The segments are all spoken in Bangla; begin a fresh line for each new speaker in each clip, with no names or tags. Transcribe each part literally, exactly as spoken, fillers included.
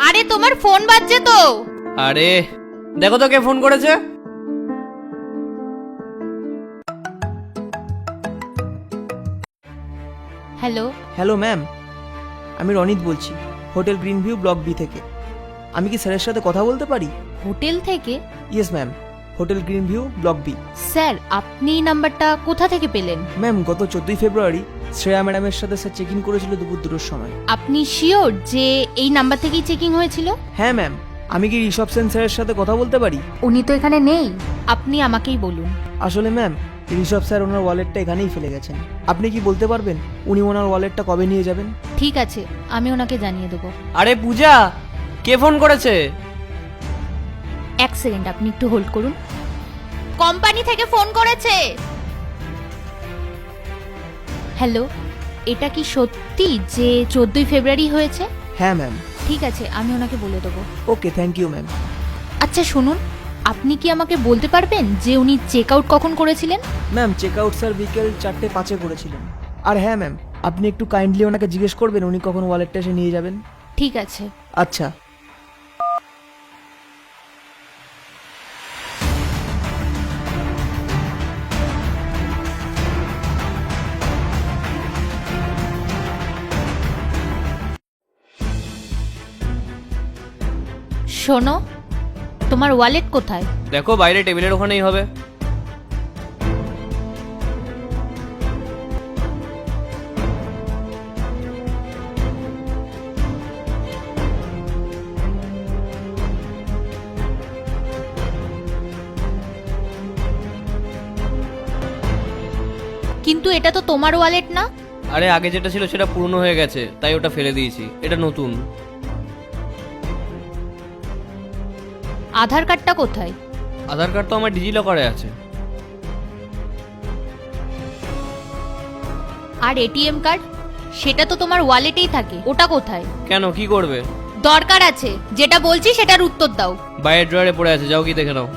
আরে তোমার ফোন বাজছে তো।
আরে দেখো তো কে ফোন করেছে।
হ্যালো।
হ্যালো ম্যাম, আমি রনিত বলছি, hotel green view block B থেকে। আমি কি স্যারের সাথে কথা বলতে পারি?
হোটেল থেকে?
Yes ma'am, hotel green view block B.
Sir আপনি নাম্বারটা কোথা থেকে পেলেন?
ম্যাম, গত চোদ্দই ফেব্রুয়ারি শ্রেয়া ম্যাডামের সাথে স্যার চেক ইন করেছিল দুপুর দুটোর সময়।
আপনি শিওর যে এই নাম্বার থেকেই চেকিং হয়েছিল?
হ্যাঁ ম্যাম, আমি কি ঋষভ সেন স্যারের সাথে কথা বলতে পারি?
উনি তো এখানে নেই, আপনি আমাকেই বলুন।
আসলে ম্যাম, ঋষভ স্যার ওনার ওয়ালেটটা এখানেই ফেলে গেছেন। আপনি কি বলতে পারবেন উনি ওনার ওয়ালেটটা কবে নিয়ে যাবেন?
ঠিক আছে, আমি ওনাকে জানিয়ে দেবো।
আরে পূজা, কে ফোন করেছে?
এক সেকেন্ড, আপনি একটু হোল্ড করুন। কোম্পানি থেকে ফোন করেছে। হ্যালো, এটা কি সত্যি যে চোদ্দই ফেব্রুয়ারি হয়েছে?
হ্যাঁ ম্যাম।
ঠিক আছে, আমি ওনাকে বলে দেবো।
Okay, thank you ma'am.
আচ্ছা শুনুন, আপনি কি আমাকে বলতে পারবেন যে উনি চেক আউট কখন করেছিলেন?
ম্যাম, চেক আউট স্যার বিকেল চারটে পাঁচে করেছিলেন। আর হ্যাঁ ম্যাম, আপনি একটু কাইন্ডলি ওনাকে জিজ্ঞেস করবেন উনি কখন ওয়ালেটটা এসে নিয়ে যাবেন।
ঠিক আছে।
আচ্ছা।
শোনো, তোমার ওয়ালেট কোথায়?
দেখো বাইরে টেবিলের ওখানেই হবে।
কিন্তু এটা তো তোমার ওয়ালেট না।
আরে আগে যেটা ছিল সেটা পুরনো হয়ে গেছে, তাই ওটা ফেলে দিয়েছি, এটা নতুন।
আধার কার্ডটা কোথায়?
আধার কার্ড তো আমার ডিজি লকারে আছে।
আর এটিএম কার্ড? সেটা তো তোমার ওয়ালেটেই থাকে, ওটা কোথায়?
কেন, কি করবে?
দরকার আছে, যেটা বলছি সেটার উত্তর দাও।
বাইরের ড্রয়ারে পড়ে আছে, যাও কি দেখে নাও।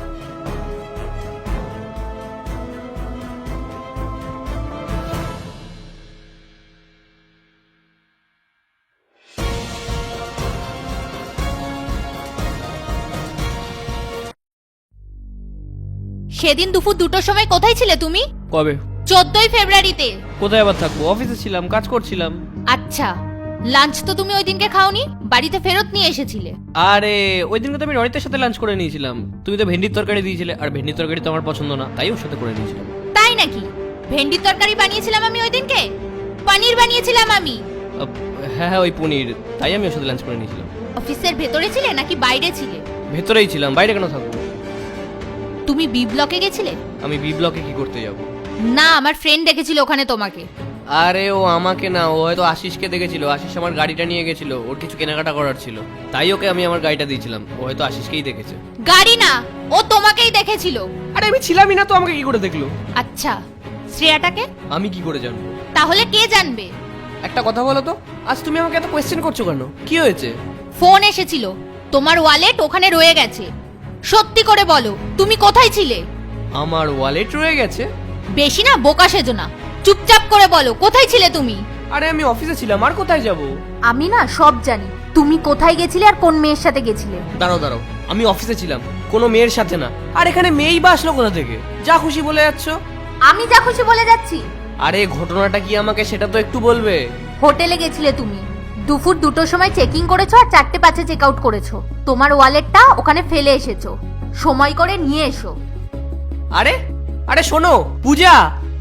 সেদিন দুপুর দুটোর সময় কোথায় ছিলে তুমি?
কবে?
চোদ্দই ফেব্রুয়ারিতে।
কোথায় আবার থাকবো, অফিসে ছিলাম, কাজ করছিলাম।
আচ্ছা, লাঞ্চ তো তুমি ওই দিনকে খাওনি, বাড়িতে ফেরত নিয়ে এসেছিলে।
আরে ওই দিনকে তো আমি রনিতের সাথে লাঞ্চ করে নিয়েছিলাম। তুমি তো ভেন্ডির তরকারি দিয়েছিলে, আর ভেন্ডির তরকারি তো আমার পছন্দ না, তাই ওর সাথে করে নিয়েছিলাম।
তাই নাকি? ভেন্ডির তরকারি বানিয়েছিলাম আমি ওই দিনকে, পনির বানিয়েছিলাম আমি।
আহ, হ্যাঁ হ্যাঁ ওই পনির, তাই আমি ওর সাথে লাঞ্চ করে নিয়েছিলাম।
অফিসের ভেতরে ছিলে নাকি বাইরে ছিলে?
ভেতরেই ছিলাম, বাইরে কেন থাকবো?
তুমি বি ব্লকে গেছিলে?
আমি বি ব্লকে কি করতে যাব?
না, আমার ফ্রেন্ড দেখেছিল ওখানে তোমাকে।
আরে ও আমাকে না, ও হয়তো আশিসকে দেখেছিল। আশিস আমার গাড়িটা নিয়ে গেছিল, ওর কিছু কেনাকাটা করার ছিল, তাই ওকে আমি আমার গাড়িটা দিয়েছিলাম। ও হয়তো আশিসকেই দেখেছে।
গাড়ি না, ও তোমাকেই দেখেছিল।
আরে আমি ছিলামই না তো, আমাকে কি করে দেখলো?
আচ্ছা, শ্রেয়াটাকে
আমি কি করে জানবো?
তাহলে কে জানবে?
একটা কথা বলো তো, আজ তুমি আমাকে এত কোয়েশ্চেন করছো কেন? কি হয়েছে?
ফোন এসেছিল, তোমার ওয়ালেট ওখানে রয়ে গেছে। সত্যি করে বলো, তুমি কোথায় ছিলে?
আমার ওয়ালেট রয়ে গেছে?
বেশি না বোকা সেজো না, চুপচাপ করে বলো কোথায় ছিলে তুমি।
আরে আমি অফিসে ছিলাম, আর কোথায় যাব?
আমি না সব জানি, তুমি কোথায় গেছিলে আর কোন মেয়ের সাথে গেছিলে।
দাঁড়াও দাঁড়াও, আমি অফিসে ছিলাম, কোনো মেয়ের সাথে না। আর এখানে মেয়েই বা আসলো কোথা থেকে? যা খুশি বলে যাচ্ছ।
আমি যা খুশি বলে যাচ্ছি?
আরে ঘটনাটা কি আমাকে সেটা তো একটু বলবে।
হোটেলে গেছিলে তুমি, দুপুর দুটোর সময় চেকিং করেছো আর চারটে পাঁচে চেক আউট করেছো। তোমার ওয়ালেটটা ওখানে ফেলে এসেছো, সময় করে নিয়ে এসো।
আরে আরে শোনো পূজা,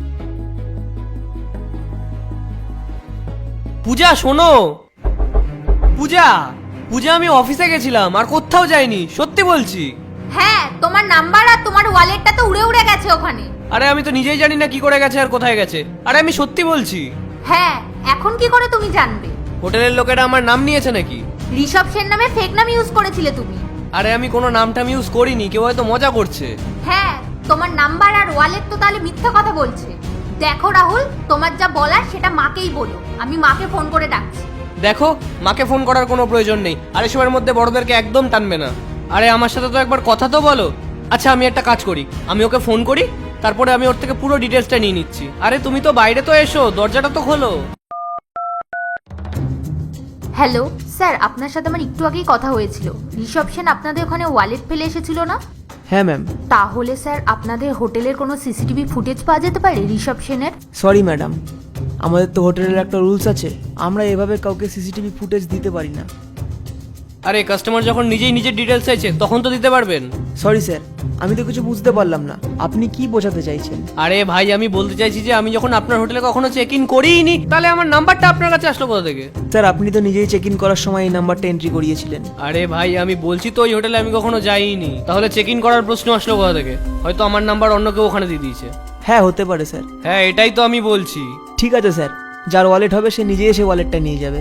পূজা শোনো। পূজা পূজা আমি অফিসে গেছিলাম, আর কোথাও যাইনি, সত্যি বলছি।
হ্যাঁ, তোমার নাম্বার আর তোমার ওয়ালেটটা তো উড়ে উড়ে গেছে ওখানে।
আরে আমি তো নিজেই জানি না কি করে গেছে আর কোথায় গেছে। আরে আমি সত্যি বলছি।
হ্যাঁ, এখন কি করে তুমি জানবে?
হোটেলের লোকেরা আমার নাম নিয়েছে নাকি?
ঋষভ সেন নামে ফেক নাম ইউজ করেছিলে তুমি।
আরে আমি কোনো নামটাম ইউজ করিনি, কেউ হয়তো মজা করছে।
হ্যাঁ, তোমার নাম্বার আর ওয়ালেট তো তাহলে মিথ্যা কথা বলছে। দেখো রাহুল, তোমার যা বলার সেটা মাকেই বলো, আমি মাকে ফোন করে ডাকছি।
দেখো, মাকে ফোন করার কোনো প্রয়োজন নেই, আর এসবের মধ্যে বড়দেরকে একদম টানবে না। আরে আমার সাথে তো একবার কথা তো বলো। আচ্ছা আমি একটা কাজ করি, আমি ওকে ফোন করি, তারপরে আমি ওর থেকে পুরো ডিটেলসটা নিয়ে নিচ্ছি। আরে তুমি তো বাইরে তো এসো, দরজাটা তো খোলো।
হ্যালো স্যার, আপনার সাথে আমার একটু আগেই কথা হয়েছিল। রিসেপশন আপনাদের ওখানে ওয়ালেট ফেলে এসেছিল না?
হ্যাঁ ম্যাম।
তাহলে স্যার আপনাদের হোটেলের কোনো সিসিটিভি ফুটেজ পাওয়া যেতে পারে রিসেপশনের?
সরি ম্যাডাম, আমাদের তো হোটেলের একটা রুলস আছে, আমরা এভাবে কাউকে সিসিটিভি ফুটেজ দিতে পারি না।
আরে কাস্টমার যখন নিজেই নিজের ডিটেলস চাইছে তখন তো দিতে পারবেন।
সরি স্যার, আমি তো কিছু বুঝতে পারলাম না, আপনি কি বোঝাতে চাইছেন?
আরে ভাই, আমি বলতে চাইছি যে আমি যখন আপনার হোটেলে কখনো চেক ইন করিনি, তাহলে আমার নাম্বারটা আপনার কাছে আসলো কোথা থেকে?
স্যার আপনি তো নিজেই চেক ইন করার সময় এই নাম্বারটা এন্ট্রি করিয়েছিলেন।
আরে ভাই, আমি বলছি তো ওই হোটেলে আমি কখনো যাইনি, তাহলে চেক ইন করার প্রশ্ন আসলো কোথা থেকে? হয়তো আমার নাম্বার অন্য কেউ ওখানে দিয়ে দিয়েছে।
হ্যাঁ হতে পারে স্যার।
হ্যাঁ, এটাই তো আমি বলছি।
ঠিক আছে স্যার, যার ওয়ালেট হবে সে নিজেই এসে ওয়ালেটটা নিয়ে যাবে।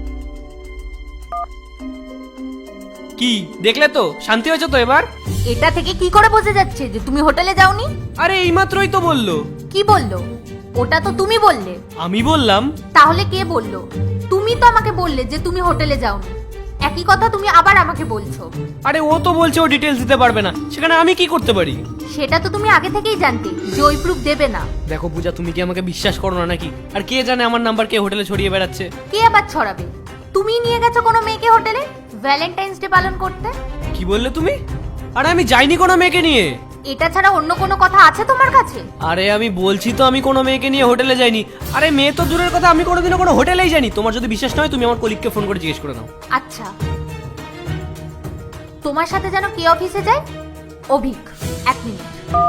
কি দেখলে তো? শান্তি হয়েছে তো এবার?
এটা থেকে কি করে বোঝা যাচ্ছে যে তুমি হোটেলে যাওনি?
আরে এইমাত্রই তো বললো।
কি বললো? ওটা তো তুমি বললে।
আমি বললাম?
তাহলে কে বললো? তুমি তো আমাকে বললে যে তুমি হোটেলে যাওনি। একই কথা তুমি আবার আমাকে বলছো।
আরে ও তো বলছে ও ডিটেলস দিতে পারবে না, সেখানে আমি কি করতে পারি?
সেটা তো তুমি আগে থেকেই জানতে যে ওই প্রুফ দেবে না।
দেখো পূজা, তুমি কি আমাকে বিশ্বাস করো না নাকি? আর কে জানে আমার নাম্বার কে হোটেলে ছড়িয়ে বেড়াচ্ছে?
কে আবার ছড়াবে? তুমি নিয়ে গেছো কোনো মেয়েকে হোটেলে ভ্যালেন্টাইন্স ডে পালন করতে?
কি বললে তুমি? আরে আমি যাইনি কোনো মেয়েকে নিয়ে।
এটা ছাড়া অন্য কোনো কথা আছে তোমার কাছে?
আরে আমি বলছি তো আমি কোনো মেয়েকে নিয়ে হোটেলে যাইনি। আরে মেয়ে তো দূরের কথা, আমি কোনোদিনও কোনো হোটেলেই যাইনি। তোমার যদি বিশ্বাস না হয় তুমি আমার কলিগকে ফোন করে জিজ্ঞেস করে নাও।
আচ্ছা, তোমার সাথে যেন কে অফিসে যায়? অভিক, এক মিনিট।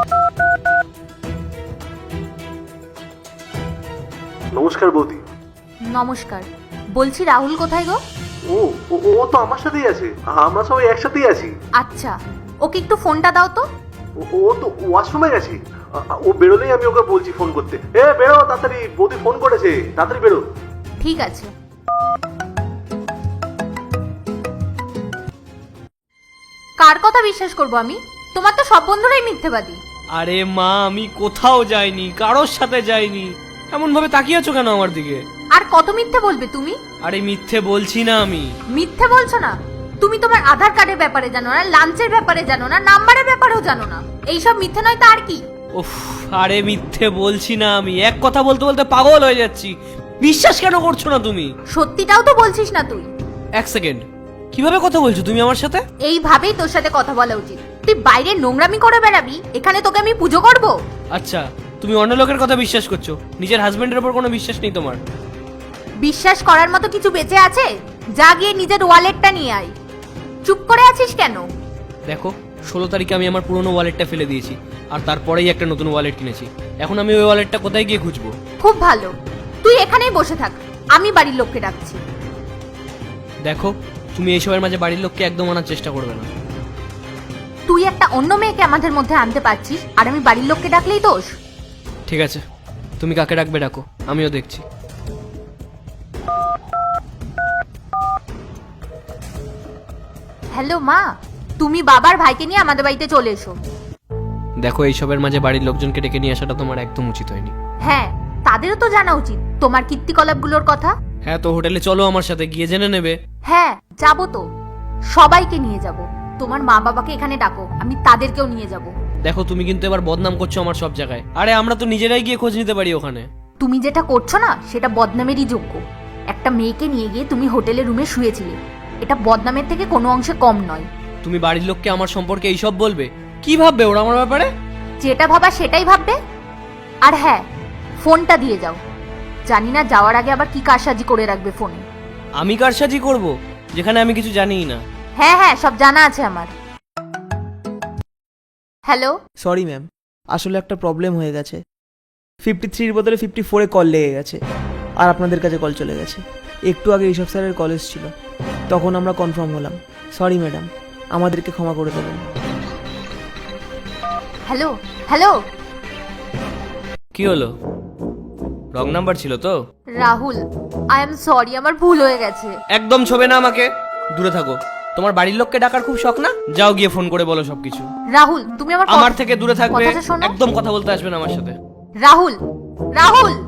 নমস্কার বৌদি।
নমস্কার। বলছি রাহুল কোথায় গো?
ও ও ও তো আমার সাথেই আছে, আমরা সবাই একসাথেই আছি।
আচ্ছা, ওকে একটু ফোনটা দাও তো।
ও- ও তো ওয়াশরুমে গেছে, আ- ও বেরোলেই আমি ওকে বলছি ফোন করতে। এ বেরো তাড়াতাড়ি, বৌদি ফোন করেছে, তাড়াতাড়ি বেরো।
ঠিক আছে। কার কথা বিশ্বাস করব আমি? তোমার তো সব বন্ধুরাই মিথ্যেবাদী।
আরে মা, আমি কোথাও যাইনি, কারোর সাথে যাইনি। এমন ভাবে তাকিয়ে আছো কেন আমার দিকে?
আর কত মিথ্যে বলবে তুমি?
আরে মিথ্যে বলছি না আমি।
মিথ্যে বলছো না? তুমি তোমার আধার কার্ডের ব্যাপারে জানো না, লাঞ্চের ব্যাপারে জানো না, নাম্বারের ব্যাপারেও জানো না। এইসব মিথ্যে নয় তো আর কি?
উফ, আরে মিথ্যে বলছি না আমি। এক কথা বলতে বলতে পাগল হয়ে যাচ্ছি। বিশ্বাস কেন করছো না তুমি?
সত্যিটাও তো বলছিস না তুই।
এক সেকেন্ড, কিভাবে কথা বলছো তুমি আমার সাথে?
এইভাবেই তোর সাথে কথা বলা উচিত। তুই বাইরে নোংরামি করে বেড়াবি, এখানে তোকে আমি পুজো করব?
আচ্ছা, তুমি অন্য লোকের কথা বিশ্বাস করছো, নিজের হাজবেন্ডের উপর কোনো বিশ্বাস নেই তোমার?
বিশ্বাস করার মতো কিছু বেঁচে আছে? যা গিয়ে নিজের ওয়ালেটটা নিয়ে আয়। চুপ করে আছিস কেন?
দেখো, ষোলো তারিখে আমি আমার পুরনো ওয়ালেটটা ফেলে দিয়েছি, আর তারপরেই একটা নতুন ওয়ালেট কিনেছি। এখন আমি ওই ওয়ালেটটা কোথায় গিয়ে খুঁজবো?
খুব ভালো, তুই এখানেই বসে থাক, আমি বাড়ির লোককে ডাকছি।
দেখো, তুমি এইসবের মাঝে বাড়ির লোককে একদম আনার চেষ্টা করবে না।
তুই একটা অন্য মেয়েকে আমাদের মধ্যে আনতে পারছিস, আর আমি বাড়ির লোককে ডাকলেই দোষ?
ঠিক আছে, তুমি কাকে ডাকবে ডাকো, আমিও দেখছি।
হ্যালো মা, তুমি বাবার ভাইকে নিয়ে আমাদের বাড়িতে চলে এসো।
দেখো, এইসবের মাঝে বাড়ির লোকজনকে ডেকে নিয়ে আসাটা তোমার একদম উচিত হয়নি।
হ্যাঁ, তাদেরও তো জানা উচিত তোমার কীর্তিকলাপগুলোর কথা।
হ্যাঁ, তো হোটেলে চলো আমার সাথে, গিয়ে জেনে নেবে।
হ্যাঁ যাবো তো, সবাইকে নিয়ে যাব। তোমার মা বাবাকে এখানে ডাকো, আমি তাদেরকেও নিয়ে যাব।
দেখো, তুমি কিন্তু এবার বদনাম করছো আমার সব জায়গায়। আরে আমরা তো নিজেরাই গিয়ে খোঁজ নিতে পারি ওখানে।
তুমি যেটা করছো না সেটা বদনামেরই যোগ্য। একটা মেয়েকে নিয়ে গিয়ে তুমি হোটেলের রুমে শুয়েছিলে, এটা বদনামের থেকে কোনো অংশে কম নয়।
তুমি বাড়ির লোককে আমার সম্পর্কে এইসব বলবে? কি ভাববে ওরা আমার ব্যাপারে?
যেটা ভাবা সেটাই ভাববে। আর হ্যাঁ, ফোনটা দিয়ে যাও। জানি না যাওয়ার আগে আবার কি কারসাজি করে রাখবে ফোনে।
আমি কারসাজি করব যেখানে আমি কিছু জানিই না?
হ্যাঁ হ্যাঁ, সব জানা আছে আমার। হ্যালো।
সরি ম্যাম, আসলে একটা প্রবলেম হয়ে গেছে। ফিফটি থ্রির বদলে ফিফটি ফোরে কল লেগে গেছে, আর আপনাদের কাছে কল চলে গেছে। একটু আগে ঋষভ স্যারের কলেজ ছিল, তখন আমরা কনফার্ম হলাম। সরি ম্যাডাম, আমাদেরকে ক্ষমা করে দেবেন।
Hello hello.
কি হলো? রং নাম্বার ছিল তো?
রাহুল, আই এম সরি, আমার ভুল হয়ে গেছে।
একদম ছবে না আমাকে, দূরে থাকো। তোমার বাড়ির লোককে ডাকার খুব শখ না? যাও গিয়ে ফোন করে বলো সবকিছু।
রাহুল, তুমি আমার
আমার থেকে দূরে থাকবে,
কথাটা শোনো।
একদম কথা বলতে আসবে না আমার সাথে।
রাহুল, রাহুল।